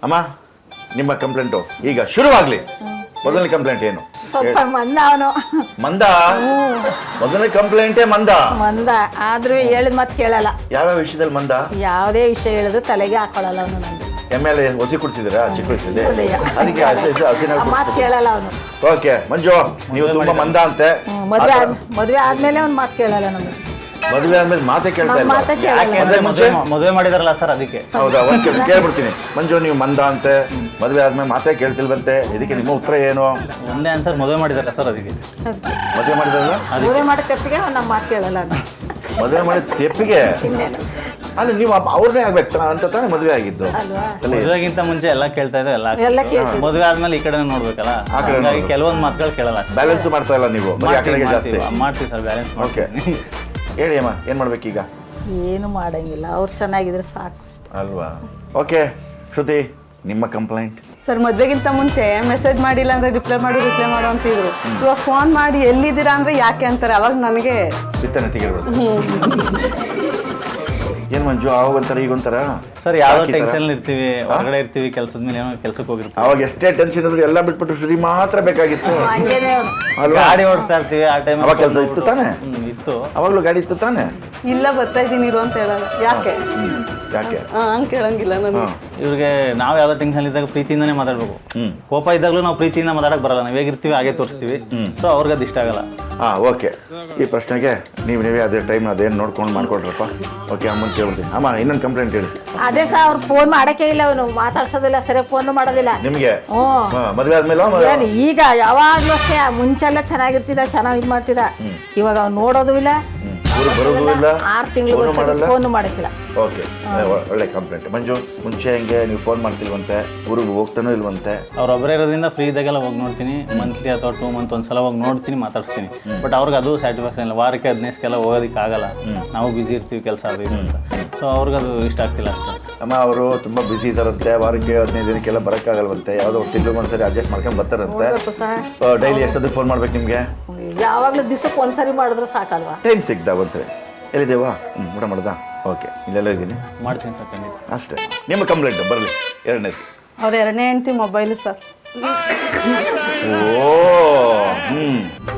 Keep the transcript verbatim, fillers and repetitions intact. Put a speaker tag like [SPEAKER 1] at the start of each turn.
[SPEAKER 1] ಅಮ್ಮ ನಿಮ್ಮ ಕಂಪ್ಲೇಂಟು ಈಗ ಶುರುವಾಗ್ಲಿ. ಮೊದಲನೇ ಕಂಪ್ಲೇಂಟ್ ಏನು?
[SPEAKER 2] ಸ್ವಲ್ಪ ಮಂದ ಅವನು.
[SPEAKER 1] ಮಂದ? ಮೊದಲನೇ ಕಂಪ್ಲೇಂಟೇ ಮಂದ.
[SPEAKER 2] ಮಂದ ಆದ್ರೂ ಹೇಳಿದ ಮಾತು ಕೇಳಲ್ಲ.
[SPEAKER 1] ಯಾವ್ಯಾವ ವಿಷಯದಲ್ಲಿ ಮಂದ?
[SPEAKER 2] ಯಾವುದೇ ವಿಷಯ ಹೇಳಿದ್ರು ತಲೆಗೆ ಹಾಕೊಳ್ಳಲ್ಲ ಅವನು. ನಂದು
[SPEAKER 1] ಎಮ್ ಎಲ್ ಎ ಹೊಸಿ ಕುಡಿಸಿದಿರಾ ಚಿಕ್ಕ ವಯಸ್ಸಲ್ಲಿ? ಅದಕ್ಕೆ
[SPEAKER 2] ಮಾತು ಕೇಳಲ್ಲ ಅವನು.
[SPEAKER 1] ಓಕೆ ಮಂಜು, ನೀವು ತುಂಬಾ ಮಂದ ಅಂತೆ.
[SPEAKER 2] ಮದ್ವೆ ಮದ್ವೆ ಆದ್ಮೇಲೆ ಅವ್ನು ಮಾತು ಕೇಳಲ್ಲ ನಮ್ಗೆ.
[SPEAKER 1] ಮದುವೆ ಆದ್ಮೇಲೆ ಮಾತೇ ಕೇಳ್ತಾ ಇಲ್ಲ.
[SPEAKER 2] ಮಾತೇ ಕೇಳಲ್ಲ.
[SPEAKER 3] ಮದುವೆ ಮಾಡಿದಾರಲ್ಲ ಸರ್ ಅದಕ್ಕೆ.
[SPEAKER 1] ಹೌದಾ? ಒಂದ್ ಕೆಲಸ ಕೇಳ್ಬಿಡ್ತೀನಿ. ಮಂಜು ನೀವು ಮಂದ ಅಂತೆ, ಮದುವೆ ಆದ್ಮೇಲೆ ಮಾತೇ ಕೇಳ್ತಿಲ್ವಂತೆ, ಇದಕ್ಕೆ ನಿಮ್ಮ ಉತ್ತರ ಏನು?
[SPEAKER 3] ಒಂದೇ ಆನ್ಸರ್, ಮದುವೆ ಮಾಡಿದಾರಲ್ಲ ಸರ್ ಅದಕ್ಕೆ.
[SPEAKER 1] ಮದುವೆ ಮಾಡಿದ್ರಲ್ಲ?
[SPEAKER 2] ಮದುವೆ ಮಾಡಿ ತಪ್ಪಿಗೆ ನಮ್ಮ ಮಾತು ಕೇಳಲ್ಲ.
[SPEAKER 1] ಮದುವೆ ಮಾಡಿದ ತೆಪ್ಪಿಗೆ ಅಲ್ಲ, ನೀವು ಅವ್ರನ್ನೇ ಆಗ್ಬೇಕು ಅಂತ ತಾನೇ ಮದುವೆ ಆಗಿದ್ದು.
[SPEAKER 3] ಮದುವೆಗಿಂತ ಮುಂಚೆ ಎಲ್ಲ ಕೇಳ್ತಾ ಇದ್ದೆ, ಎಲ್ಲ
[SPEAKER 2] ಎಲ್ಲ ಕೇಳ್ತೀವಿ.
[SPEAKER 3] ಮದುವೆ ಆದ್ಮೇಲೆ ಈ ಕಡೆ ನೋಡ್ಬೇಕಲ್ಲ, ಹಾಗಾಗಿ ಕೆಲವೊಂದು ಮಾತುಗಳು ಕೇಳಲ್ಲ.
[SPEAKER 1] ಬ್ಯಾಲೆನ್ಸ್ ಮಾಡ್ತಾ ಇಲ್ಲ ನೀವು, ಬರೀ ಆ ಕಡೆಗೆ ಜಾಸ್ತಿ
[SPEAKER 3] ಮಾಡ್ತೀವಿ ಸರ್, ಬ್ಯಾಲೆನ್ಸ್.
[SPEAKER 1] ಓಕೆ ಹೇಳಿ ಅಮ್ಮ, ಏನು ಮಾಡ್ಬೇಕೀಗ?
[SPEAKER 2] ಏನು ಮಾಡಂಗಿಲ್ಲ, ಅವ್ರು ಚೆನ್ನಾಗಿದ್ರೆ ಸಾಕು
[SPEAKER 1] ಅಲ್ವಾ? ಓಕೆ ಶ್ರುತಿ, ನಿಮ್ಮ ಕಂಪ್ಲೇಂಟ್.
[SPEAKER 4] ಸರ್ ಮದ್ವೆಗಿಂತ ಮುಂಚೆ ಮೆಸೇಜ್ ಮಾಡಿಲ್ಲ ಅಂದ್ರೆ ರಿಪ್ಲೈ ಮಾಡು ರಿಪ್ಲೈ ಮಾಡು ಅಂತಿದ್ರು. ಇವಾಗ ಫೋನ್ ಮಾಡಿ ಎಲ್ಲಿದ್ದೀರಾ ಅಂದ್ರೆ ಯಾಕೆ ಅಂತಾರೆ. ಅವಾಗ ನನಗೆ
[SPEAKER 1] ಬಿತ್ತನೆ ತೆಗಿರ್ಬೋದು. ಏನ್ ಮಂಜು ಅವಾಗ ಒಂಥರ ಈಗ ಒಂಥರ
[SPEAKER 3] ಸರ್, ಯಾವ್ದೋ ಟೆನ್ಷನ್ ಇರ್ತೀವಿ, ಹೊರಗಡೆ ಇರ್ತೀವಿ, ಕೆಲಸದ ಮೇಲೆ ಏನೋ ಕೆಲಸಕ್ಕೆ ಹೋಗಿರ್ತೀವಿ.
[SPEAKER 1] ಅವಾಗ ಎಷ್ಟೇ ಟೆನ್ಷನ್ ಇದ್ರು ಎಲ್ಲ ಬಿಟ್ಬಿಟ್ಟು ಶ್ರುತಿ ಮಾತ್ರ ಬೇಕಾಗಿತ್ತು.
[SPEAKER 3] ಗಾಡಿ ಓಡಿಸ್ತಾ ಇರ್ತೀವಿ ಆ ಟೈಮ್.
[SPEAKER 1] ಅವಾಗ ಕೆಲಸ ಇತ್ತು ತಾನೆ?
[SPEAKER 3] ಇತ್ತು.
[SPEAKER 1] ಅವಾಗ್ಲೂ ಗಾಡಿ ಇತ್ತು ತಾನೆ?
[SPEAKER 4] ಇಲ್ಲ ಬರ್ತಾ ಇದ್ದೀನಿ ಇರು ಅಂತ ಹೇಳಲ್ಲ. ಯಾಕೆ
[SPEAKER 1] ಯಾಕೆ
[SPEAKER 4] ಹಂಗೆ ಕೇಳಂಗಿಲ್ಲ ನಾನು.
[SPEAKER 3] ಇವ್ರಿಗೆ ನಾವು ಯಾವ್ದೋ ಟೆನ್ಷನ್ ಇದ್ದಾಗ ಪ್ರೀತಿಯಿಂದನೇ ಮಾತಾಡ್ಬೇಕು. ಕೋಪ ಇದ್ದಾಗಲೂ ನಾವು ಪ್ರೀತಿಯಿಂದ ಮಾತಾಡಕ್ ಬರಲ್ಲ, ನಾವು ಹೇಗಿರ್ತೀವಿ ಹಾಗೆ ತೋರಿಸ್ತೀವಿ. ಸೊ ಅವ್ರಿಗೆ ಅದು ಇಷ್ಟ ಆಗಲ್ಲ.
[SPEAKER 1] ಹಾಂ ಓಕೆ, ಈ ಪ್ರಶ್ನೆಗೆ ನೀವು ನೀವೇ ಅದೇ ಟೈಮ್ ಅದೇನು ನೋಡ್ಕೊಂಡು ಮಾಡ್ಕೊಳ್ರಪ್ಪ. ಓಕೆ ಅಮ್ಮನ ಕೇಳ್ತೀನಿ. ಅಮ್ಮ ಇನ್ನೊಂದು ಕಂಪ್ಲೇಂಟ್ ಹೇಳಿ.
[SPEAKER 2] ಅದೇ ಸರ್, ಅವ್ರು ಫೋನ್ ಮಾಡಕ್ಕೆ ಇಲ್ಲ, ಅವನು ಮಾತಾಡ್ಸೋದಿಲ್ಲ, ಸರಿಯಾಗಿ ಫೋನ್ ಮಾಡೋದಿಲ್ಲ ನಿಮಗೆ.
[SPEAKER 1] ಮದುವೆ ಆದ್ಮೇಲೆ
[SPEAKER 2] ಈಗ ಯಾವಾಗ್ಲೂ ಅಷ್ಟೇ, ಮುಂಚೆಲ್ಲ ಚೆನ್ನಾಗಿರ್ತಿದ, ಚೆನ್ನಾಗಿ ಇದು ಮಾಡ್ತಿದ. ಇವಾಗ ಅವ್ನು ನೋಡೋದು ಇಲ್ಲ,
[SPEAKER 1] ಬರೋದು ಇಲ್ಲ,
[SPEAKER 2] ಆರು ತಿಂಗಳು ಫೋನ್ ಮಾಡಕ್ಕಿಲ್ಲ.
[SPEAKER 1] ಓಕೆ, ಒಳ್ಳೆ ಕಂಪ್ಲೇಂಟ್. ಮಂಜು, ಮುಂಚೆ ಹೆಂಗೆ ನೀವು ಫೋನ್ ಮಾಡ್ತಿಲ್ವಂತೆ, ಊರಿಗೆ ಹೋಗ್ತಾನೂ ಇಲ್ವಂತೆ?
[SPEAKER 3] ಅವ್ರೊಬ್ಬರೇ ಇರೋದ್ರಿಂದ ಫ್ರೀ ಇದ್ದಾಗೆಲ್ಲ ಹೋಗಿ ನೋಡ್ತೀನಿ. ಮಂತ್ಲಿ ಅಥವಾ ಟೂ ಮಂತ್ ಒಂದ್ಸಲ ಹೋಗಿ ನೋಡ್ತೀನಿ, ಮಾತಾಡ್ತೀನಿ. ಬಟ್ ಅವ್ರಿಗೆ ಅದು ಸ್ಯಾಟಿಸ್ಫ್ಯಾಕ್ಷನ್ ಇಲ್ಲ. ವಾರಕ್ಕೆ ಹದಿನೈದಕ್ಕೆಲ್ಲ ಹೋಗೋದಕ್ಕೆ ಆಗಲ್ಲ, ನಾವು ಬಿಸಿ ಇರ್ತೀವಿ ಕೆಲಸ ಅದು ಇದು ಅಂತ. ಸೊ ಅವ್ರಿಗೆ ಅದು ಇಷ್ಟ ಆಗ್ತಿಲ್ಲ ಅಷ್ಟೇ.
[SPEAKER 1] ಅಮ್ಮ ಅವರು ತುಂಬ ಬಿಸಿ ಇದ್ದಾರಂತೆ, ವಾರಕ್ಕೆ ಹದಿನೈದು ದಿನಕ್ಕೆಲ್ಲ ಬರೋಕ್ಕಾಗಲ್ವಂತೆ, ಯಾವುದೋ ತಿಂಗಳು ಒಂದ್ಸರಿ ಅಡ್ಜಸ್ಟ್ ಮಾಡ್ಕೊಂಡು ಬರ್ತಾರಂತೆ. ಡೈಲಿ ಎಷ್ಟೊತ್ತಿಗೆ ಫೋನ್ ಮಾಡ್ಬೇಕು ನಿಮಗೆ?
[SPEAKER 2] ಯಾವಾಗಲೂ ದಿವಸಕ್ಕೆ ಒಂದ್ಸರಿ ಮಾಡಿದ್ರೆ ಸಾಕಲ್ವಾ?
[SPEAKER 1] ಟೈಮ್ ಸಿಗ್ತಾ ಒಂದ್ಸರಿ. ಎಲ್ಲಿದ್ದೇವಾ? ಹ್ಞೂ ಊಟ ಮಾಡ್ದಾ? ಓಕೆ, ಇಲ್ಲೆಲ್ಲ ಇದ್ದೀನಿ,
[SPEAKER 3] ಮಾಡ್ತೀನಿ ಸರ್ ಖಂಡಿತ.
[SPEAKER 1] ಅಷ್ಟೇ. ನಿಮ್ಮ ಕಂಪ್ಲೇಂಟ್ ಬರಲಿ. ಎರಡನೇದು,
[SPEAKER 4] ಅವ್ರ ಎರಡನೇ ಹೆಂಡ್ತಿ ಮೊಬೈಲು ಸರ್.
[SPEAKER 1] ಓ ಹ್ಞೂ